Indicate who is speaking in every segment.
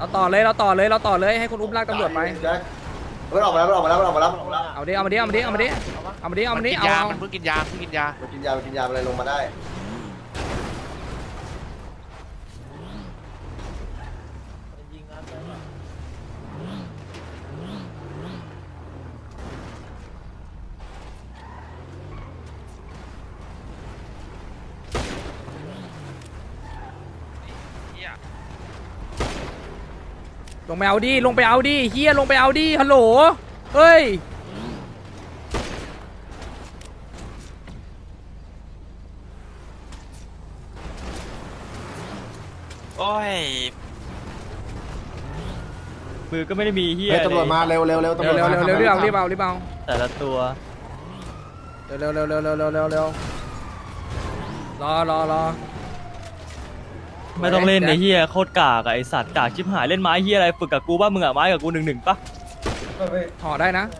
Speaker 1: ต่อเลยเราต่อเลยเราต่อเลยให้คุณอุ้มลากตำรวจไป
Speaker 2: แจ็คมันออกมาแล้วมันออกมาแล้วมันออกมาแล้ว
Speaker 1: เอาดิเอามาดิเอามาดิเอามาดิเอามาดิเอามาดิเอา
Speaker 3: มันเพิ่งกินยาเพิ่งกินยา
Speaker 2: มันกินยาอะไรลงมาได้
Speaker 1: ลงไปเอาดิลงไปเอาดิเฮียลงไปเอาดิฮัลโหลเฮ้ย
Speaker 3: โอ้ย
Speaker 4: มือก็ไม่ได้มีเฮีย
Speaker 2: เฮ้ยตำรวจมาเร็วตำรวจมา
Speaker 1: เร็วรีบเอา
Speaker 4: แต่ละตัว
Speaker 1: เร็วรอ
Speaker 4: ไม่ต้องเล่นในเฮียโคตรกากอะไอสัตว์กากชิบหายเล่นไม้เฮียอะไรฝึกกับกูบ้ามึงอะไม้กับกู1-1ปะ
Speaker 1: ห่อได้นะ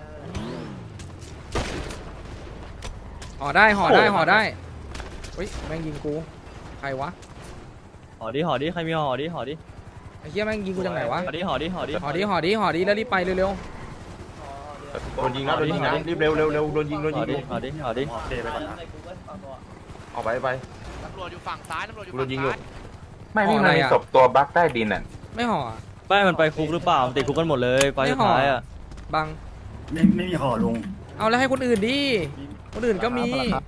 Speaker 1: ห่อได้เฮ้ยแม่งยิงกูใครวะ
Speaker 4: ห่อดิใครมีห่อดิ
Speaker 1: ไอ้เหี้ยแม่งยิงกูจังไหนวะ
Speaker 4: ห่อดิ
Speaker 1: ห่อดิแล้วรีบไปเร็ว
Speaker 5: โดนยิงนะรีบเร็วโดนยิง
Speaker 4: ห่อดิ
Speaker 5: โอเคไปก่อนนะออกไป
Speaker 3: ตำรวจอยู่ฝั่งซ้ายตำรวจอยู่
Speaker 5: โด
Speaker 3: ฝั่
Speaker 5: น
Speaker 3: ง
Speaker 5: ยิงอยู่
Speaker 3: ซ้าย
Speaker 5: ไม่มีมันมีศพตัวบั๊กใต้ดินอ่ะ
Speaker 1: ไม่ห่อ
Speaker 4: ไม่มันไปคุกหรือเปล่ามันติดคุกกันหมดเลยไฟสุดท้ายอะ
Speaker 1: บัง
Speaker 6: ไม่มีห่อลุง
Speaker 1: เอาแล้วให้คนอื่นดิคนอื่นก็มี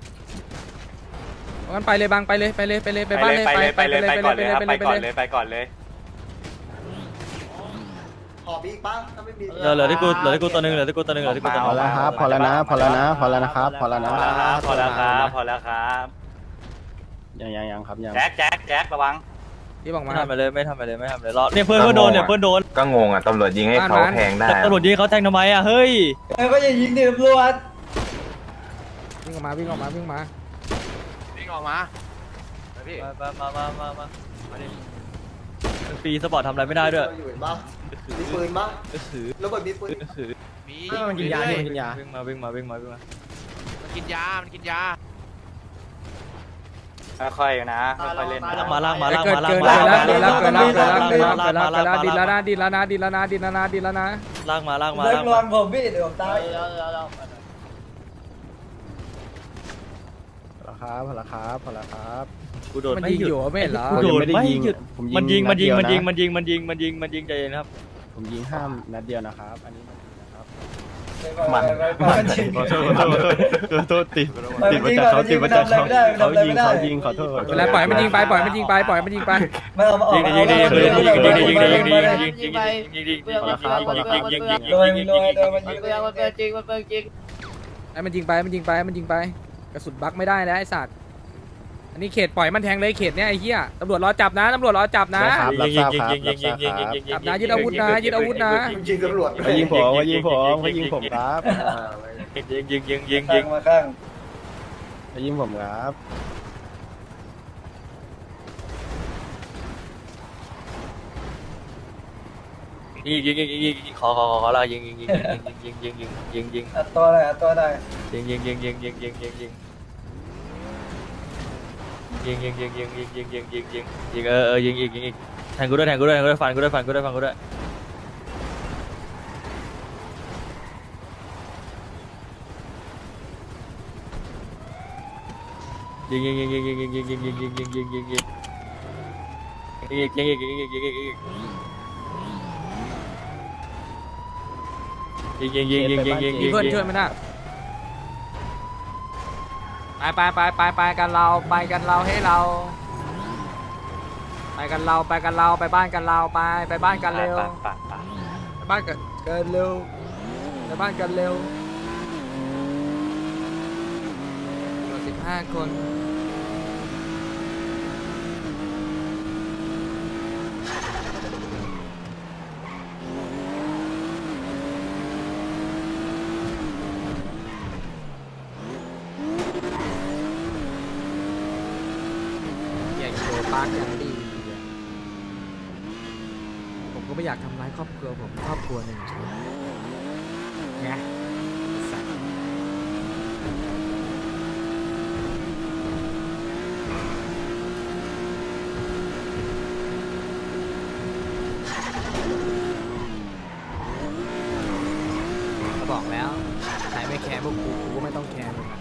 Speaker 1: งั้นไปเลยบังไปเลยไปบ้านเลยไปก่อนเลย
Speaker 2: ขอบีกป้าถ้าไม่มี
Speaker 4: เหลือที่กูตัวหนึง
Speaker 7: พอแล้วครับพอแล้วนะครับพอแล้วยังครับยัง
Speaker 1: แจ็คระวังรีบออก
Speaker 4: ไม่
Speaker 1: มา
Speaker 4: ทำไปเลยรอเนี่ยเพื่อนโดน
Speaker 5: ก็งงอ่ะตำรวจยิงให้เขาแทงได้
Speaker 4: ตำรวจยิงเขาแทงทำไมอะเฮ้ย
Speaker 6: ก็อย่ายิงดิตำรวจ
Speaker 1: วิ่งออกมา
Speaker 3: วิ่งออกมาพี่
Speaker 4: มาดิฟรีสปอร์ตทำอะไรไม่ได้ด้วย
Speaker 2: อยู่เห็นปะมีปืนปะแล้วก็มีปืน
Speaker 3: มี
Speaker 6: มันกินยา
Speaker 3: เรื่อ
Speaker 6: มันกินยา
Speaker 4: วิ่งมา
Speaker 3: มันกินยา
Speaker 1: ค่อยๆนะค่อยๆเล่น
Speaker 4: ลากมา
Speaker 1: เกิดแล้วดินแล้วนะดินแล้วนะ
Speaker 4: ลากมา
Speaker 6: เลิกลวงผมพี่เดี๋ยวผมตาย
Speaker 7: พอแล้วครับ
Speaker 4: กูโดน
Speaker 1: มัน
Speaker 4: ไม่
Speaker 1: ยิง
Speaker 4: หยุ
Speaker 1: อ
Speaker 4: ด
Speaker 1: ยู่ไม่เห็นเหรอ
Speaker 4: กูโดน
Speaker 7: ไม่ได้
Speaker 4: ไม่
Speaker 7: ยิง
Speaker 4: หยุด
Speaker 7: ผม
Speaker 4: มันยิง
Speaker 7: นัดเดียวนะ
Speaker 4: ใจเย็นครับ
Speaker 7: ผมยิงห้ามนัดเดียวนะครับอันนี้นะครับ
Speaker 6: มัน
Speaker 7: โทษติดมาจากเขายิงขอโทษ
Speaker 1: เวลาปล่อยมันยิงไป
Speaker 6: ไม่เอามา
Speaker 4: ยิง
Speaker 6: เอา
Speaker 1: ให้มันยิงไปกระสุนบักไม่ได้แล้วไอ้สัตว์อันนี้เขตปล่อยมันแทงเลยเขตเนี้ยไอ้เหี้ยตำรวจรอจับนะจับนะ
Speaker 7: รับทราบครับ
Speaker 1: จับนะยึดอาวุธนะ
Speaker 2: ยิงตำรวจ
Speaker 7: ยิงผมครับ
Speaker 4: ยิง
Speaker 6: มาข้าง
Speaker 7: ยิงผมครับ
Speaker 4: ขอละยิง
Speaker 6: อัดตัวได้
Speaker 4: ยิงแทงกูด้วยฟันกูด้วยยิง
Speaker 1: มีเพื่อนช่วยมันนะไปกันเราให้เราไปบ้านกันเร็วไปบ้านกันเร็ว15 คนปากอย่างดีผมก็ไม่อยากทำร้ายครอบครัวผมครอบครัวหนึ่งไงสัตว์ก็บอกแล้วใครไม่แคร์พวกกูก็ไม่ต้องแคร์มึงอะ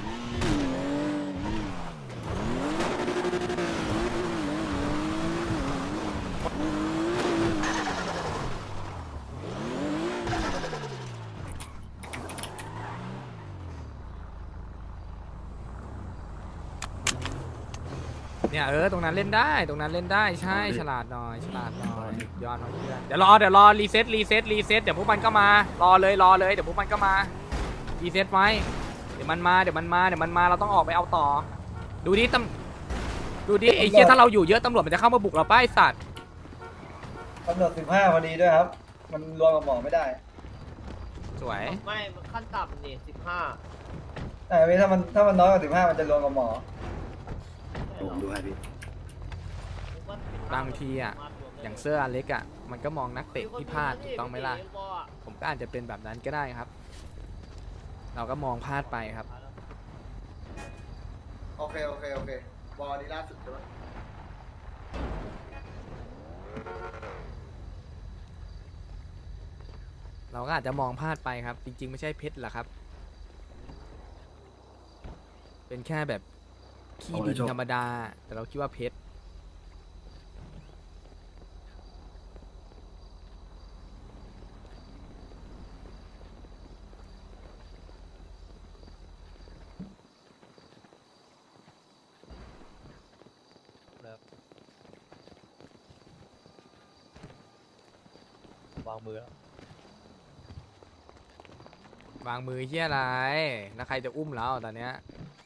Speaker 1: เนี่ยตรงนั้นเล่นได้ตรงนั้นเล่นได้ใช่ฉลาดหน่อยฉลาดหน่อยย้อนมาเพื่อนเดี๋ยวรอรีเซ็ตเดี๋ยวพวกมันก็มารอเลยเดี๋ยวพวกมันก็มารีเซ็ตไว้เดี๋ยวมันมาเราต้องออกไปเอาต่อดูดิไอ้เหี้ยถ้าเราอยู่เยอะตำรวจมันจะเข้ามาบุกเราป้ายสัตว์
Speaker 6: ตำรวจ15พอดีด้วยครับ มันรวมกับหมอไม่ได้
Speaker 1: สวย
Speaker 8: ไม่ขั้นต่ำนี่15
Speaker 6: แต่ถ้ามันน้อยกว่า15มันจะรวมกับหมอ
Speaker 8: ผมดูให้พี่
Speaker 1: บางทีอ่ะอย่างเสื้ออเล็กอ่ะมันก็มองนักเตะที่พลาดถูกต้องไหมล่ะผมก็อาจจะเป็นแบบนั้นก็ได้ครับ เราก็มองพลาดไปครับ
Speaker 2: โอเคบอลนี้ล่าสุดใช่ไหม
Speaker 1: เราก็อาจจะมองพลาดไปครับ จริงๆไม่ใช่เพชรหรอกครับ เป็นแค่แบบขี้ดินธรรมดา แต่เราคิดว่าเพชรวางมือเฮียอะไรแล้วใครจะอุ้มเราตอนเนี้ย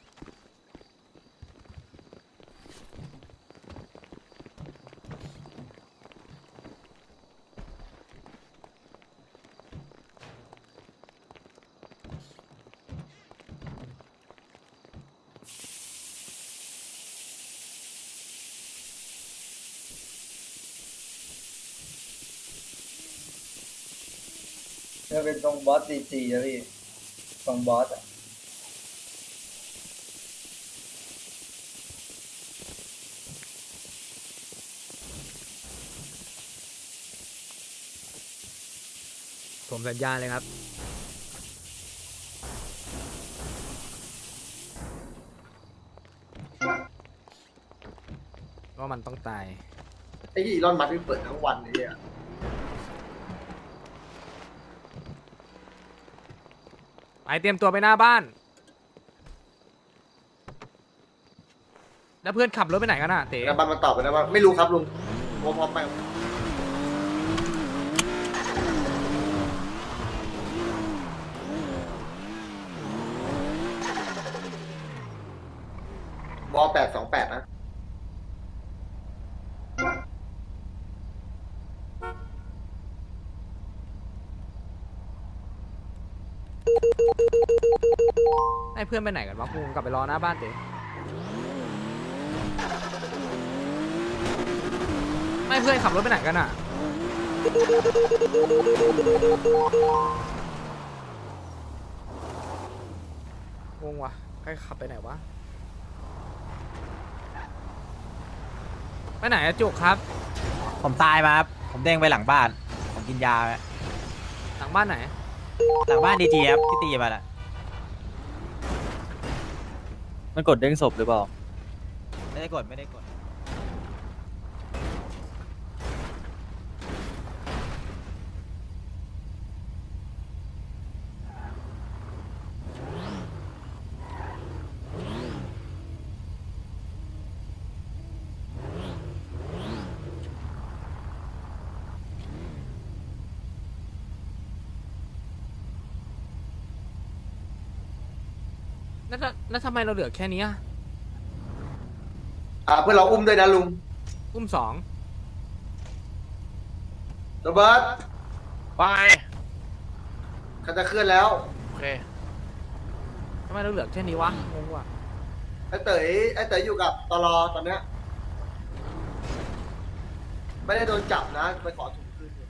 Speaker 6: จะเป็นตรงบอสจีอะพี่ตรงบอสอะ
Speaker 1: ผมสัญญาเลยครับว่ามันต้องตาย
Speaker 2: ไอ้ที่อีลอนมัสก์ที่เปิดทั้งวันเลยอ่ะ
Speaker 1: ไปเตรียมตัวไปหน้าบ้าน แล้วเพื่อนขับรถไปไหนกันน่ะเต๋
Speaker 2: แล้วบันมันตอบไปนะว่าไม่รู้ครับลุงพร้อมไปบอ828นะ
Speaker 1: ให้เพื่อนไปไหนกันวะกูกลับไปรอหน้าบ้านเต๋ไม่เพื่อนขับรถไปไหนกันอ่ะงงวะใครขับไปไหนวะไปไหนอะจุกครับ
Speaker 9: ผมตายมาครับ ผมเด้งไปหลังบ้าน ผมกินยาไป
Speaker 1: หลังบ้านไหน
Speaker 9: หลังบ้านดีจีครับที่ตีมาละ
Speaker 4: มันกดเด้งศพหรือเปล่า
Speaker 9: ไม่ได้กดไม่ได้กด
Speaker 1: แล้วทำไมเราเหลือแค่นี้อะ
Speaker 2: เพื่อนเราอุ้มด้วยนะลุง
Speaker 1: อุ้ม2
Speaker 2: โรเบิร์ต
Speaker 3: ไป
Speaker 2: เขาจะเคลื่อนแล้ว
Speaker 3: โอเค
Speaker 1: ทำไมเราเหลือแค่นี้วะงงว่ะ
Speaker 2: ไอ้เต๋ยอยู่กับตลอตอนเนี้ยไม่ได้โดนจับนะไปขอถุงคืนอยู่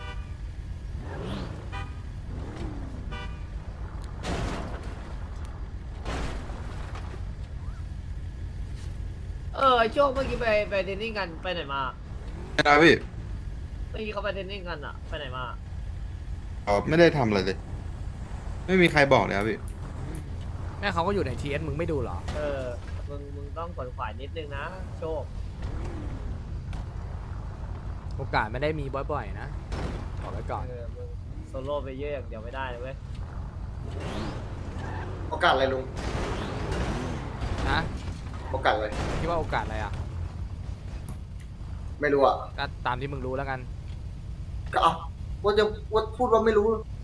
Speaker 8: ไอ้ช่วงเมื่อกี้ไปเทรนนิ่งกันไปไหนมา
Speaker 7: นะพี่
Speaker 8: ตีเขาไปเทนนิ่งกันอ่ะ ไปไหนมา
Speaker 7: ไม่ได้ทำอะไรเลย ไม่มีใครบอกเลยครับพี่
Speaker 1: แม่เขาก็อยู่ในทีเอสมึงไม่ดูเหรอ
Speaker 8: เออ มึงต้องขวนขวายนิดนึงนะ โชค
Speaker 1: โอกาสไม่ได้มีบ่อยๆนะบอกไว้ก่อน
Speaker 8: เออ มึงโซโล่ไปเยอะอย่างเดียวไม่ได้เลยเว้ย
Speaker 2: โอกาสอะไรลุง
Speaker 1: นะ
Speaker 2: โอกาสอะไร
Speaker 1: คิดว่าโอกาสอะไรอ่ะ
Speaker 2: ไม่รู้อ่ะ
Speaker 1: ก็ตามที่มึงรู้แล้วกัน
Speaker 2: ก็เอาว่าพูดว่าไม่รู้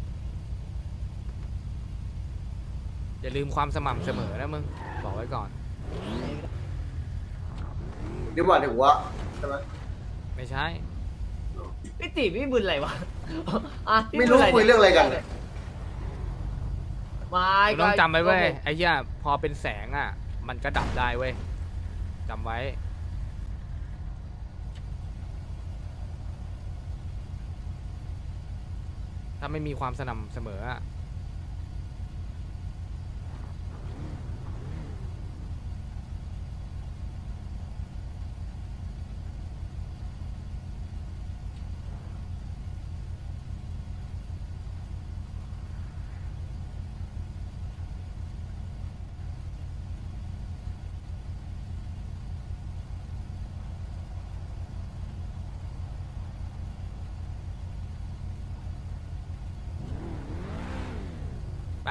Speaker 1: อย่าลืมความสม่ำเสมอนะมึงบอกไว้ก่อน
Speaker 2: เดี๋ยวว่าถึงว่าใช่ไหม
Speaker 1: ไม่ใช่
Speaker 8: พี่ติพี่บุญอะไรวะ อ่ะพี่
Speaker 2: ไม่
Speaker 8: บุ
Speaker 2: รู้
Speaker 8: ญอะ
Speaker 2: คุยเรื่องอะไรกันเนี่ย
Speaker 8: ไม่
Speaker 1: มึงต้องจำไว้เว้ย
Speaker 8: ก็
Speaker 1: ไอ้เหี้ยพอเป็นแสงอ่ะ มันก็ดับได้เว้ยจำไว้ ถ้าไม่มีความสม่ำเสมออ่ะไป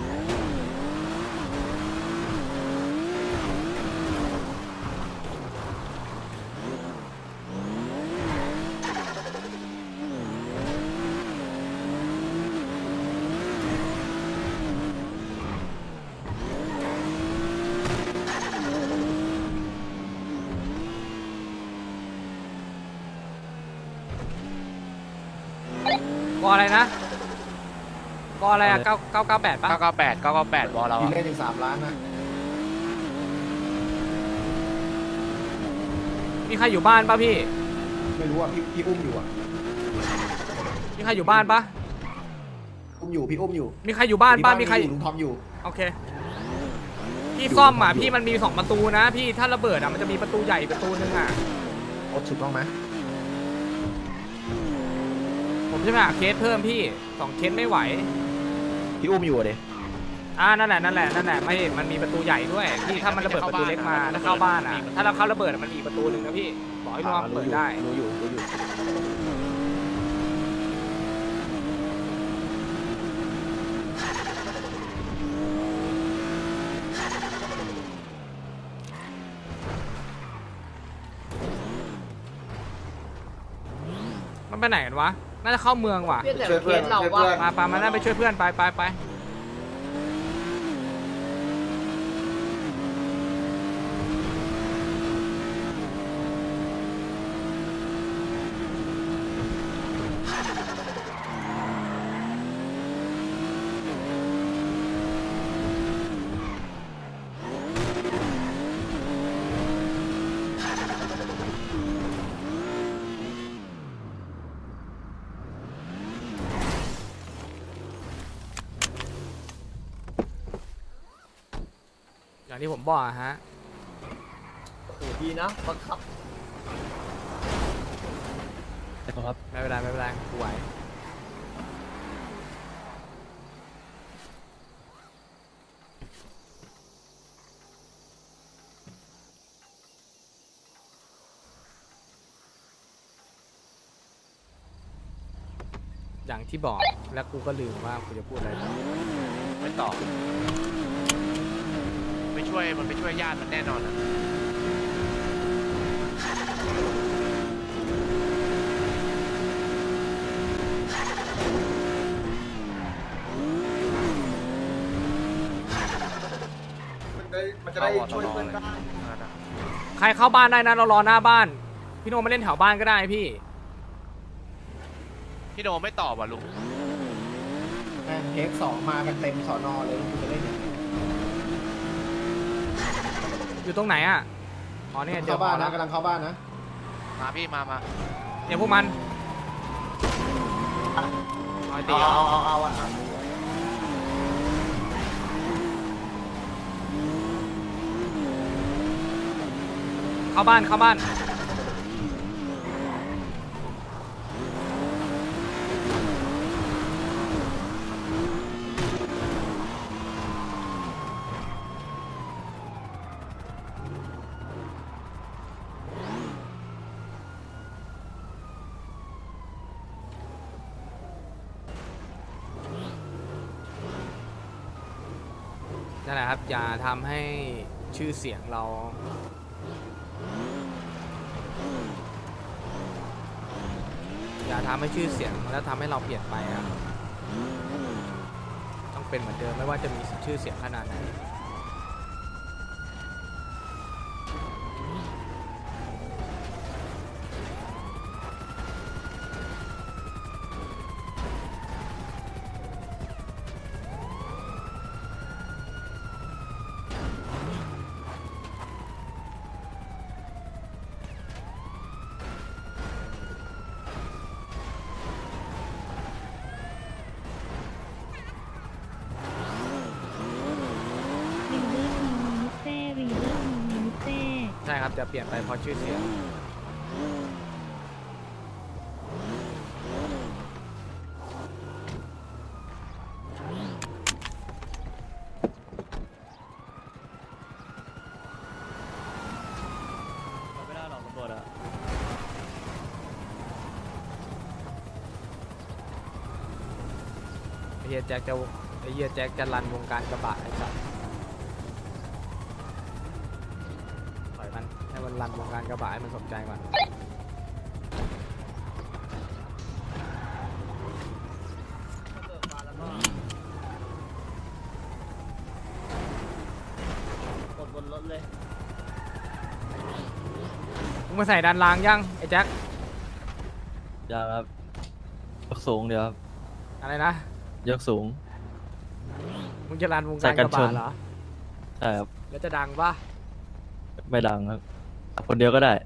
Speaker 1: กออะไรนะกออะไรอ่ะ998ป่ะ
Speaker 3: 998บอลเรา
Speaker 2: มี
Speaker 3: อะ
Speaker 2: เล่นถึง3 ล้านนะ
Speaker 1: มีใครอยู่บ้านป่ะพี่
Speaker 2: ไม่รู้อ่ะพี่อุ้มอยู่อ่ะ
Speaker 1: มีใครอยู่บ้านป่ะ
Speaker 2: อุ้มอยู่พี่อุ้มอยู่
Speaker 1: มีใครอยู่บ้านป่ะมีใคร
Speaker 2: ลุงทอมอยู่
Speaker 1: โอเค พี่ซ่อมอ่ะพี่มันมี2ประตูนะพี่ถ้าระเบิดอ่ะมันจะมีประตูใหญ่ประตูนึงอ่ะ
Speaker 2: โอ้ถูกต้องไหม
Speaker 1: ผมจะไปหาเคสเพิ่มพี่2เคสไม่ไหว
Speaker 2: พี่อุ้มอยู่เด้
Speaker 1: นั่นแหละไม่มันมีประตูใหญ่ด้วยพี่ถ้ามันระเบิดประตูเล็กมาถ้าเข้าบ้านอ่ะถ้าเราเข้าระเบิดอะมันมีอีกประตูหนึ่งนะพี่บอกให้ระวังเปิดได้
Speaker 2: รู้อยู่
Speaker 1: มันไปไหนกันวะน่าจะเข้าเมืองว่ะ
Speaker 8: เพื่อนแต่เคสเราว่า
Speaker 1: มาน่าไปช่วยเพื่อนไปอย่างที่ผมบอกอะฮะ
Speaker 8: โอ้โหดีนะบังคับ
Speaker 4: ครับ
Speaker 1: ไม่เป็นไรกูไหวอย่างที่บอกแล้วกูก็ลืมว่ากูจะพูดอะไรต่อ
Speaker 3: ไม่ตอบไปช่วยมันไปช่วยญาติมันแน่นอนอะ
Speaker 2: มันจะได้ช่วยเพื่อนได้
Speaker 1: ใครเข้าบ้านได้นะเรารอหน้าบ้าน พี่โนมาเล่นแถวบ้านก็ได้พี่
Speaker 3: พี่โนไม่ตอบอ่ะลุง
Speaker 2: เทค2มากันเต็มสอนอเลยคุณจะเล่นยังไง
Speaker 1: อยู่ตรงไหนอ่ะอ๋อเนี่ยเจอ
Speaker 2: เข้าบ้าน
Speaker 1: แล้
Speaker 2: นะ
Speaker 1: ว
Speaker 2: กำลังเข้าบ้านนะ
Speaker 3: มาพี่มา
Speaker 1: เนี่ยพวกมันเอาไอ้ตีเหรอ
Speaker 2: เอา
Speaker 1: เข้าบ้านนั่นแหละครับอย่าทำให้ชื่อเสียงเราอย่าทำให้ชื่อเสียงแล้วทำให้เราเปลี่ยนไปครับต้องเป็นเหมือนเดิมไม่ว่าจะมีชื่อเสียงขนาดไหน ใช่ครับจะเปลี่ยนไปเพราะชื่อเสียง
Speaker 4: ไม่ได้หรอกตำรวจอะ
Speaker 1: ไอ้เฮียแจ็คจะรันวงการกระบะไอ้สัสปล่อยมันให้มันรันวงการกระบะให้มันสนใจก่อน
Speaker 8: กดบนรถเลย
Speaker 1: มึงมาใส่ดันรางยังไอ้แจ็ค
Speaker 4: ยังครับยกสูงเดี๋ยวครับ
Speaker 1: อะไรนะ
Speaker 4: ยกสูง
Speaker 1: มึงจะรันวง
Speaker 4: ใส่
Speaker 1: การ
Speaker 4: กั
Speaker 1: ก
Speaker 4: น
Speaker 1: ระ
Speaker 4: ช
Speaker 1: บะ
Speaker 4: น
Speaker 1: เหรอ
Speaker 4: ใช่ครับ
Speaker 1: แล้วจะดังปะ
Speaker 4: ไม่ดังครับคนเดียวก็ได้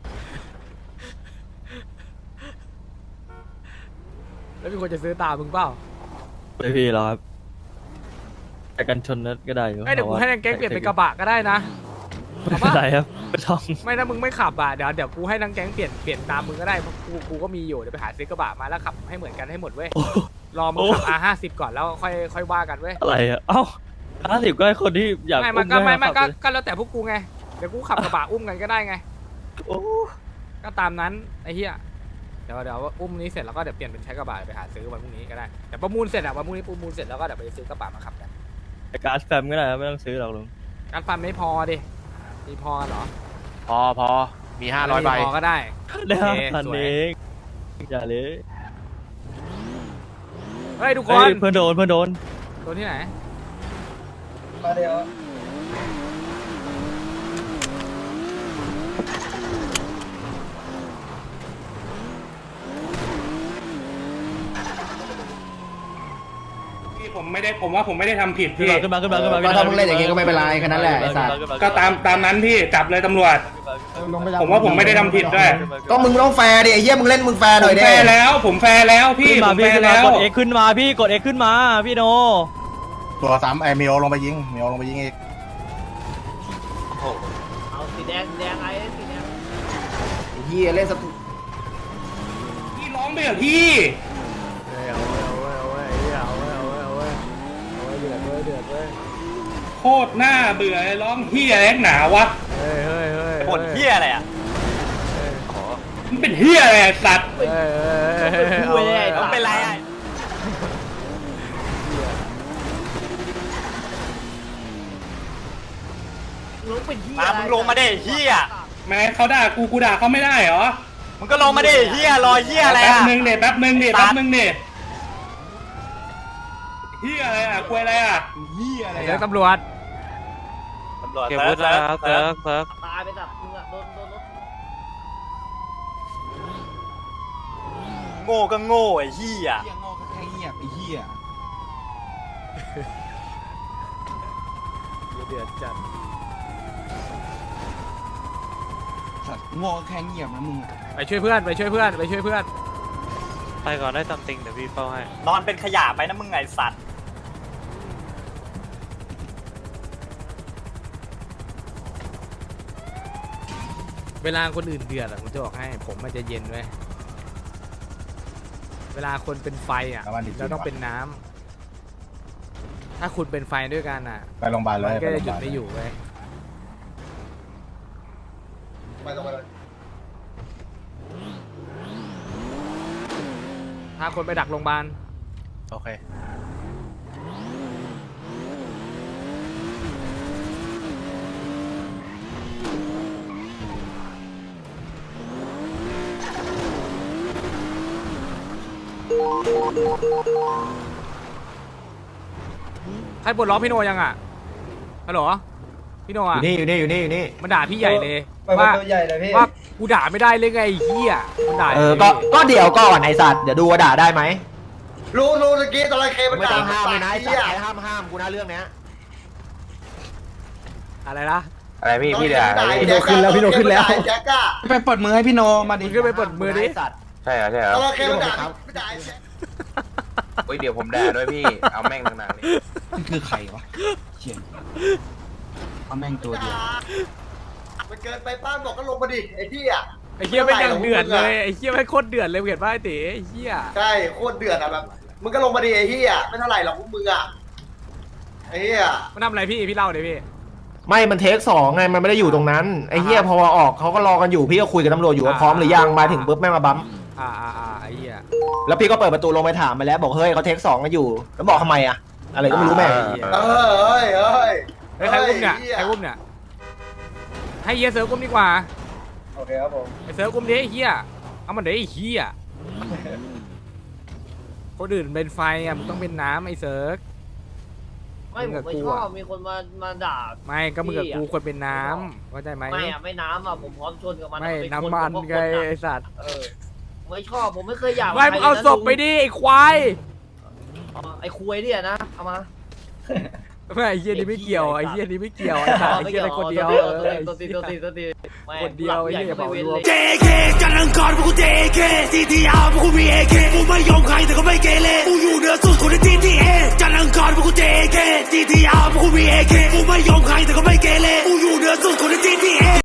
Speaker 1: แล้วมีคนจะซื้อตามมึงเปล่า
Speaker 4: ไม่พี่หรอกครับแต่กันชนนั้นก็ได้อยู่
Speaker 1: เอ้ยเดี๋ยวกูให้นางแก๊งเปลี่ยนเป็นกระบะก็ได้นะ
Speaker 4: ไม่เป็นไรครับไม่ต้อง
Speaker 1: ไม่ถ้ามึงไม่ขับอ่ะเดี๋ยวกูให้นางแก๊งเปลี่ยนตามมึงก็ได้เพราะกูก็มีอยู่เดี๋ยวไปหาซื้อกระบะมาแล้วขับให้เหมือนกันให้หมดเว้ย
Speaker 4: โอ้
Speaker 1: รอมึงขับ R50 ก่อนแล้วค่อยว่ากันเว้ย
Speaker 4: อะไรอะเอ้า50ก็ให้คนที่อยาก
Speaker 1: ไม่
Speaker 4: อุ้
Speaker 1: มันก็ไม่
Speaker 4: ให้ขับเลย
Speaker 1: ก็แล้วแต่พวกกูไงเดี๋ยวกูขับกระบะอุ้มกันก็ได้ไง
Speaker 4: โอ้
Speaker 1: ก็ตามนั้นไอ้เหี้ยเดี๋ยวอุ้มนี้เสร็จแล้วก็เดี๋ยวเปลี่ยนเป็นใช้กระบะไปหาซื้อวันพรุ่งนี้ก็ได้แต่ประมูลเสร็จอะวันพรุ่งนี้ประมูลเสร็จแล้วก็เดี๋ยวไปซื้อกระบะมาขับกัน
Speaker 4: แต่การ์ดแฟมก็ได้ครับไม่ต้องซื้อหรอกลุง
Speaker 1: การฟันไม่พอดิมีพอกันเหรอ
Speaker 3: พอมี500ใบ
Speaker 1: พอก็ได้
Speaker 4: ได้
Speaker 1: โอเค
Speaker 4: ทัน
Speaker 1: สวย
Speaker 4: เองอย่าเลย
Speaker 1: เฮ้ยทุกค
Speaker 4: เฮ้
Speaker 1: น
Speaker 4: ยเพื่อนโดน
Speaker 1: ตัวที่ไหน
Speaker 6: มาเดี๋ยว
Speaker 10: ผมว่าผมไม่ได้ทำผิด
Speaker 4: ขึ้น
Speaker 10: พี่
Speaker 4: มาขึ้นมาขึ้นมาขึ้นมา
Speaker 2: ก็ถ้ามึงเล่นอย่างงี้ก็ไม่เป็นไรแค่นั้นแหละไอ้สัตว์
Speaker 10: ก็ตามนั้นพี่จับเลยตำรวจ ผมว่าผมไม่ได้ทำผิดด้วย
Speaker 2: ก็มึงต้องแฟร์ดิไอ้เหี้ยมึงเล่นมึงแฟร์ห
Speaker 10: ผ
Speaker 2: น่อย
Speaker 10: ม
Speaker 2: ดิ
Speaker 10: แฟร์แล้วผมแฟร์แล้วพี่
Speaker 4: ขึ้น
Speaker 10: ผ
Speaker 4: มาม
Speaker 10: แฟ
Speaker 4: พี่
Speaker 10: ร์
Speaker 4: ขึ้นมา
Speaker 10: แล้ว
Speaker 4: กด X ขึ้นมาพี่กด X ขึ้นมาพี่โน
Speaker 5: ตัวซ้ำไอ้เมลลงไปยิงเมลลงไปยิงอีก
Speaker 8: เอาสีแดงไอ้สีแดง
Speaker 2: ไอ้เหี้ยเล่นสตู
Speaker 10: พี่ร้องไปเหรอพี่ โคตรหน้าเบื่อเลยร้องเฮียแรงหนาวะ
Speaker 9: ผลเหี้ยอะไรอ่ะ
Speaker 10: มันเป็นเฮียอะไรอะสัตว์
Speaker 8: คุยเลย
Speaker 9: มันเป็นไรอ่ะ
Speaker 8: ลงเป็นเหี้ย
Speaker 9: มามึงลงมาดิเหี้ย
Speaker 10: แม้เขาด่ากูด่าเขาไม่ได้เหรอ
Speaker 9: มึงก็ลงมาดิเหี้ยรอเหี้ยอะไร
Speaker 10: แป๊บ
Speaker 9: อ่ะ
Speaker 10: นึงเด็เฮียอะไรอ่ะคุยอะไรอ่ะ
Speaker 1: เดี๋ยวตำรวจ
Speaker 9: ตำรวจเซิร์ฟ
Speaker 8: ตายไปแบบมึงอะโดนรถ
Speaker 9: โง่ก็โง่ไอ้เหี้ย
Speaker 2: โง่แค่เงียบไอ้เหี้ย
Speaker 1: เดือดจัด
Speaker 2: โง่แค่เงียบนะมึง
Speaker 1: ไปช่วยเพื่อนไปช่วยเพื่อนไปช่วยเพื่อน
Speaker 3: ไปก่อนได้ซัมติงเดี๋ยวพี่เฝ้าให้
Speaker 9: นอนเป็นขยะไปนะมึงไงสัตว์
Speaker 1: เวลาคนอื่นเดือดอะผมจะบอกให้ผมมันจะเย็นไว้ยเวลาคนเป็นไฟอะเราต้องเป็นน้ำถ้าคุณเป็นไฟด้วยกันอะ
Speaker 5: ไปโรงพยาบาลเล
Speaker 1: มัน
Speaker 5: ย
Speaker 1: ก็จะหยุดไม่อยู่เว้ย
Speaker 6: ไปตรงไปเลย
Speaker 1: ถ้าคนไปดักโรงพยาบาล
Speaker 3: โอเค
Speaker 1: ใครปลดล็อกพี่โนยังอ่ะฮัลโหลพี่โน
Speaker 2: อ
Speaker 1: อ่ะ
Speaker 2: ยู่นี่
Speaker 1: มันด่าพี่ใหญ่เลย
Speaker 6: ไปประตูใหญ่เลยพี่
Speaker 1: ว่ากูด่าไม่ได้เลยไงไอ้เหี้ยมันด่า
Speaker 2: ก็เดี๋ยวก่อนไอสัตว์เดี๋ยวดูว่าด่าได้ไหม
Speaker 5: รู้ตะกี้ตอนไรเคมัน
Speaker 2: ไม่
Speaker 5: ด่า
Speaker 2: ต้องห้ามเลยนะไอสัต
Speaker 5: เหี้ย
Speaker 2: ว์ใครห้ามกูนะเรื่องเนี้ย
Speaker 1: อะไรนะ
Speaker 3: อะไรพี่พี่เดี๋ยว
Speaker 5: พี่โนขึ้นแล้วแจ็คก้า
Speaker 2: ไปปลดมือให้พี่โนมาดิ
Speaker 1: มึงขึ้นไปปลดมือดิ
Speaker 2: สัตว์
Speaker 3: ใช่เหรอใช่เหรอ
Speaker 5: ตอนไรเคมันด่าไม่ด่าไอ้แจ็ค
Speaker 3: เฮ้ยเดี๋ยวผมด่าด้วยพี่เอาแม่งหนักๆเลย
Speaker 2: มันคือใครวะเชี่ยเอาแม่งตัวเดียว
Speaker 5: มันเกินไปป้านบอกก็ลงมาดิไอ้ที่อ่ะ
Speaker 1: ไอ้เหี้ยไม่งยังเดือดเลยไอ้เหี้ยไม่งโคตรเดือดเลยเห็นป่ะไอ้เต๋ไอ้เหี้ย
Speaker 5: ใช่โคตรเดือดอ่ะแบบมึงก็ลงมาดิไอ้ที่อ่ะไม่เท่าไหร่หรอกพวกมึงอ่ะไอ้เหี้ย
Speaker 1: มันทำอะไรพี่เล่าเดี๋ยวพี่
Speaker 2: ไม่มันเทคสองไงมันไม่ได้อยู่ตรงนั้นไอ้เหี้ยพอออกเขาก็รอกันอยู่พี่ก็คุยกับตำรวจอยู่ว่าพร้อมหรือยังมาถึงปุ๊บแม่งมาบัม
Speaker 1: ไอ้เหี้ย
Speaker 2: แล้วพี่ก็เปิดประตูลงไปถามมาแล้วบอกเฮ้ยเขาเทคสองกันอยู่แล้วบอกทำไมอะอะไรก็ไม่รู้แม่ง
Speaker 5: เฮ้ย
Speaker 1: เฮ้ยใครอุ้มเนี่ยใครอุ้มเนี่ยให้เหี้ยเซิร์ฟอุ้มดีกว่า
Speaker 6: โอเคครับผม
Speaker 1: ไอ้เซิร์ฟอุ้มดิไอ้เหี้ยเอามันเดี๋ยวไอ้เหี้ยคนอื่นเป็นไฟอ่ะมึงต้องเป็นน้ำไอ้เซิร์ฟ
Speaker 8: ไม่ผมไม่ชอบมีคนมาด่า
Speaker 1: ไม่ก็มึงกับกูควรเป็นน้ำเข้าใจไหม
Speaker 8: ไม่อะไม่น้ำอะผมพร้อมชนกับมัน
Speaker 1: ไม่
Speaker 8: เป็
Speaker 1: น้ำมัน
Speaker 8: ผม
Speaker 1: ไง
Speaker 8: ก็คนอะ
Speaker 1: ไอ้สัตว์
Speaker 8: ไม่ชอบผมไม่เคยอยาก
Speaker 1: ไม่มึงเอาศพไปดิไอ้ควาย
Speaker 8: ไอ้คุยเนี่ยนะเอามา
Speaker 1: ไม่ไอ้เหี้ยนี่ไม่เกี่ยวไอ้เหี้ยนี่ไม่เกี่ยวไอ้สัตว์ไอ้เหี้ยนี่คนเดียว
Speaker 8: ตัวตี
Speaker 1: คนเดียวไอ้เหี้ยเผารวม
Speaker 11: JK จันทร์อังคารพวกกู JK CTR พวกกูมี AK กูไม่ยอมใครแต่ก็ไม่เกเรกูอยู่เหนือสุดคนใน GTA จันทร์อังคารพวกกู JK CTR พวกกูมี AK กูไม่ยอมใครแต่ก็ไม่เกเรกูอยู่เหนือสุดคนใน GTA